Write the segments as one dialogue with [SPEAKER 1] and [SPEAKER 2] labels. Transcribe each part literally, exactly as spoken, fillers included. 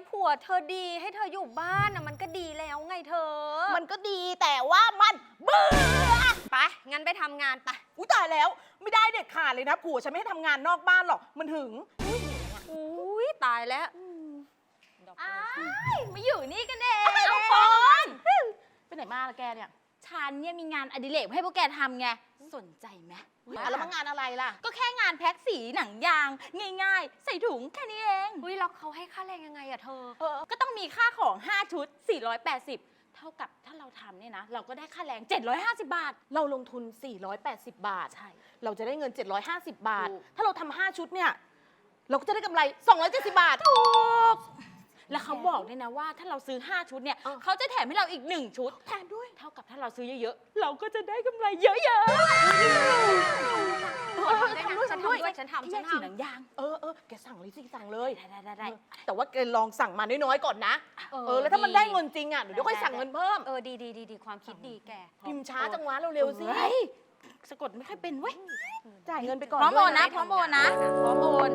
[SPEAKER 1] ผัวเธอดีให้เธออยู่บ้านนะมันก็ดีแล้วไงเธอ
[SPEAKER 2] มันก็ดีแต่ว่ามันเบื่อ
[SPEAKER 1] ไปงั้นไปทำงานไป
[SPEAKER 2] อุ้ยตายแล้วไม่ได้เด็ดขาดเลยนะผัวฉันไม่ให้ทำงานนอกบ้านหรอกมันหึง
[SPEAKER 1] อุ้ยตายแล้ว
[SPEAKER 3] อ้ายมาอยู่นี่กันเอง
[SPEAKER 2] เอาปอนไปไหนมาละแกเนี่ย
[SPEAKER 3] ฉันเนี่ยมีงานอดิเรกให้พวกแกทำไงสนใจไหม
[SPEAKER 2] แล้วมางานอะไรล่ะ
[SPEAKER 3] ก็แค่งานแพ็คสีหนังยางง่ายๆใส่ถุงแค่นี้เอง
[SPEAKER 1] อุ้ยแล้วเขาให้ค่าแรงยังไงอะเธอ
[SPEAKER 3] เออก็ต้องมีค่าของห้าชุดสี่ร้อยแปดสิบเท่ากับถ้าเราทำเนี่ยนะเราก็ได้ค่าแรงเจ็ดร้อยห้าสิบบาท
[SPEAKER 2] เราลงทุนสี่ร้อยแปดสิบบาท
[SPEAKER 3] ใช่
[SPEAKER 2] เราจะได้เงินเจ็ดร้อยห้าสิบบาท
[SPEAKER 3] ถูก
[SPEAKER 2] ถ้าเราทำห้าชุดเนี่ยเราก็จะได้กำไรสองร้อยเจ็ดสิบบาท
[SPEAKER 3] ถูกแล้วเขาบอกด้วยนะว่าถ้าเราซื้อห้าชุดเนี่ยเขาจะแถมให้เราอีกหนึ่งชุด
[SPEAKER 2] แถมด้วย
[SPEAKER 3] เท่ากับถ้าเราซื้อเยอะๆเราก็จะได้กำไรเยอะๆ
[SPEAKER 1] ฉันทำด้วยฉันทำฉันทำ
[SPEAKER 3] สีหนังยาง
[SPEAKER 2] เออเออแกสั่งเลยสิสั่งเลย
[SPEAKER 3] ได้ได้ได้
[SPEAKER 2] แต่ว่าแกลองสั่งมาน้อยๆก่อนนะเออแล้วถ้ามันได้เงินจริงอ่ะเดี๋ยวค่อยสั่งเงินเพิ่ม
[SPEAKER 1] เออดีดีดีดีความคิดดีแก
[SPEAKER 2] พิมพ์ช้าจังวะเร็วๆสิ
[SPEAKER 3] สะกดไม่ค่อยเป็นเว้ย
[SPEAKER 2] จ่ายเงินไปก่อน
[SPEAKER 3] พร้อมโอนนะพร้อมโอนนะพร้อมโอน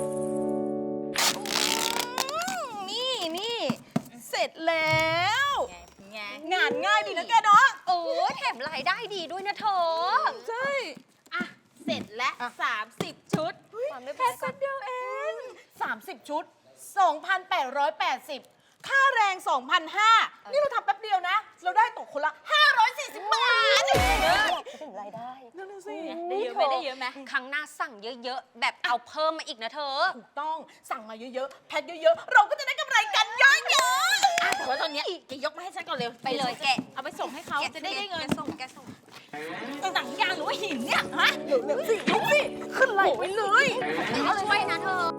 [SPEAKER 3] นี่นี่
[SPEAKER 2] เสร็จแล้ว
[SPEAKER 3] ไง
[SPEAKER 2] งานง่ายดีนะแกเนาะ
[SPEAKER 1] เออแถมรายได้ดีด้วยนะเธอ
[SPEAKER 2] ใช่
[SPEAKER 3] อ่ะเสร็จแล้วสามสิบชุด
[SPEAKER 1] แค่
[SPEAKER 2] คนเดียวเองสามสิบชุด สองพันแปดร้อยแปดสิบ ค่าแรง สองพันห้าร้อย นี่เราทำแป๊บเดียวนะเราได้ตกคนละห้าร้อยสี่สิบบาท
[SPEAKER 1] ถึงรายได้
[SPEAKER 2] นั่นน่ะสิ
[SPEAKER 3] ได้เยอะไหมได้เยอะไหม
[SPEAKER 1] ครั้งหน้าสั่งเยอะๆแบบเอาเพิ่มมาอีกนะเธอ
[SPEAKER 2] ถูกต้องสั่งมาเยอะๆแพ็คเยอะๆเราก็จะได้กำไรกันเยอะๆ
[SPEAKER 3] แต่ว่าตอนนี้แกยกมาให้ฉันก่อนเร็ว
[SPEAKER 1] ไปเลยแก
[SPEAKER 3] เอาไปส่งให้เขาจะได้ได้เงิน
[SPEAKER 1] ส่งแกส่ง
[SPEAKER 3] หนังยางหรือว่าหินเนี่ยฮะ
[SPEAKER 2] เร็วๆสิลุกสิขึ้นไหลไปเลย
[SPEAKER 1] เอาช่วยนะเธอ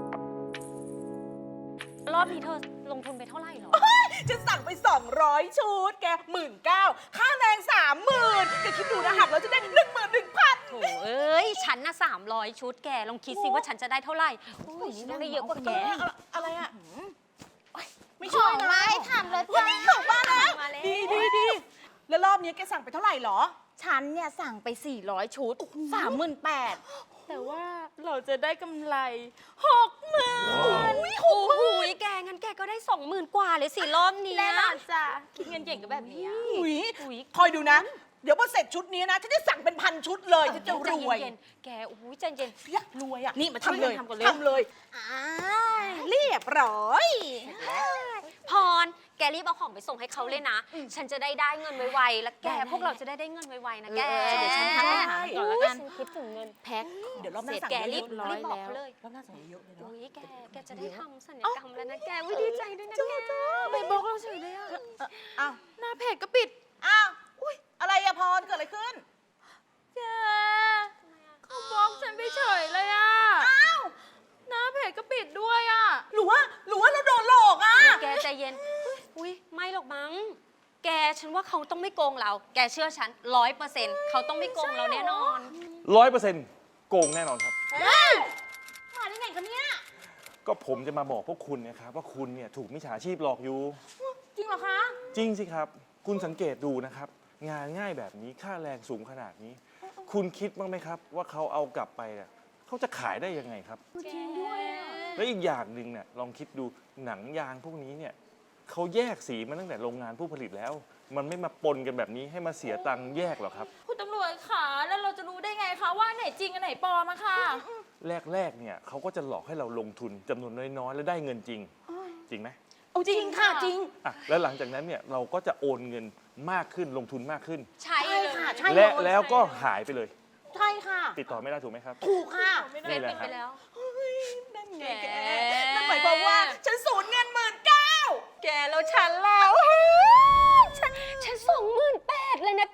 [SPEAKER 1] รอบนี้เธอลงทุนไปเท่าไหร่หรอ
[SPEAKER 2] จะสั่งไปสองร้อยชุดแกหมื่นเก้าค่าแรงสามหมื่นแกคิดดูนะหักแล้วจะได้หนึ่งหมื่นหนึ่งพัน
[SPEAKER 1] โถเอ้ยฉันน่ะสามร้อยชุดแกลองคิดสิว่าฉันจะได้เท่าไหร่โอ้ยได้เยอะกว่าแก
[SPEAKER 2] อะไรอ่ะไม่ช่วยนะ
[SPEAKER 3] ไม่ทำเลยจ้า
[SPEAKER 2] ของมาแล้วดีดีดีแล้วรอบนี้แกสั่งไปเท่าไหร่หรอ
[SPEAKER 3] ฉันเนี่ยสั่งไปสี่ร้อยชุดสามหมื่นแปดแต่ว่าเราจะได้กำไรหกหมื่น
[SPEAKER 1] โอ้โหแกงั้นแกก็ได้สองหมื่นกว่าเลยสิรอบนี้
[SPEAKER 3] แน่นอนจ้ะคิดเงินเก่งก็แบบนี้
[SPEAKER 2] อุ้ยคอยดูนะเดี๋ยวพอเสร็จชุดนี้นะฉันจะสั่งเป็นพันชุดเลยฉันจะรวย
[SPEAKER 1] แกโอ้ยใจเย็น
[SPEAKER 2] รวยอ่ะ
[SPEAKER 3] นี่มาทำเลย
[SPEAKER 2] ทำก่อนเลยทำเลยเรียบร้อย
[SPEAKER 1] พรแกรีบเอาของไปส่งให้เขาเลยนะฉันจะได้ได้เงินไวๆแล้วแกพวกเราจะได้ได้เงินไวๆนะแก
[SPEAKER 3] เดี๋ยวฉันทำอาหารก่อนแล้วกัน
[SPEAKER 1] คิดถึงเงิน
[SPEAKER 3] แพ็ค
[SPEAKER 2] เดี๋ยวรอบหน้าสั่ง
[SPEAKER 1] แกรีบรีบบอกเลย
[SPEAKER 2] รอบหน้าสั่งเยอะเลย
[SPEAKER 1] โอ้ยแกแกจะได้ทำสัญญกรรมแล้วนะแกวิดีใจด้วยนะแก
[SPEAKER 3] ไปบอกเราเฉยเลยอ่ะ
[SPEAKER 2] อ้าว
[SPEAKER 3] หน้าเพจก็ปิด
[SPEAKER 2] อ้าวอุ้ยอะไรอะพรเกิดอะไรขึ้น
[SPEAKER 3] แกเขาบล็อกฉันไปเฉยเลยอ่ะ
[SPEAKER 2] อ้าว
[SPEAKER 3] หน้าเพจก็ปิดด้วยอ่ะ
[SPEAKER 2] หรือว่าหรือว่าเราโดนหลอกอ่ะ
[SPEAKER 1] แกใจเย็นอุ้ยไม่หรอกมั้งแกฉันว่าเขาต้องไม่โกงเราแกเชื่อฉันร้อยเปอร์เซ็นต์เขาต้องไม่โกงเราแน่นอน
[SPEAKER 4] ร้อยเปอร์เซ็นต์โกงแน่นอนครับ
[SPEAKER 2] มาได้ไงกันเนี่ย
[SPEAKER 4] ก็ผมจะมาบอกพวกคุณนะครับว่าคุณเนี่ยถูกมิจฉาชีพหลอกอยู่
[SPEAKER 2] จริงเหรอคะ
[SPEAKER 4] จริงสิครับคุณสังเกตดูนะครับงานง่ายแบบนี้ค่าแรงสูงขนาดนี้คุณคิดบ้างไหมครับว่าเขาเอากลับไปเนี่ยเขาจะขายได้ยังไงครับ
[SPEAKER 2] จริงด้วย
[SPEAKER 4] และอีกอย่างหนึ่งเนี่ยลองคิดดูหนังยางพวกนี้เนี่ยเขาแยกสีมาตั้งแต่โรงงานผู้ผลิตแล้วมันไม่มาปนกันแบบนี้ให้มาเสียตังค์แยกหรอกครับ
[SPEAKER 3] คุณตำรวจคะแล้วเราจะรู้ได้ไงคะว่าไหนจริงอันไหนปลอมอะค่ะ
[SPEAKER 4] แรกๆเนี่ยเขาก็จะหลอกให้เราลงทุนจำนวนน้อยๆแล้วได้เงินจริงจริงไหม
[SPEAKER 2] จริงค่ะจริง
[SPEAKER 4] อ่ะแล้วหลังจากนั้นเนี่ยเราก็จะโอนเงินมากขึ้นลงทุนมากขึ้น
[SPEAKER 1] ใช่
[SPEAKER 2] ค่ะใช่
[SPEAKER 4] และแล้วก็หายไปเลย
[SPEAKER 2] ใช่ค่ะ
[SPEAKER 4] ติดต่อไม่ได้ถูกไหมครับ
[SPEAKER 2] ถูกค่ะ
[SPEAKER 1] นี่แหละครับ
[SPEAKER 2] นั่นไงแกนั่นหมายความว่าฉันสูญเงินหมื่นเก้า
[SPEAKER 1] แกแล้วฉันแล้วฉันฉันสองหมื่นแปดเลยนะแก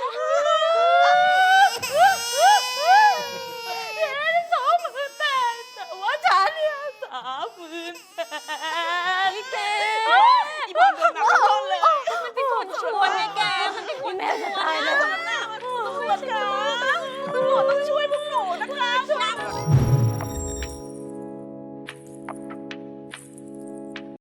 [SPEAKER 3] สองหมื่นแปดแต่ว่าฉันเนี่ยสามหมื่นแปด
[SPEAKER 1] แก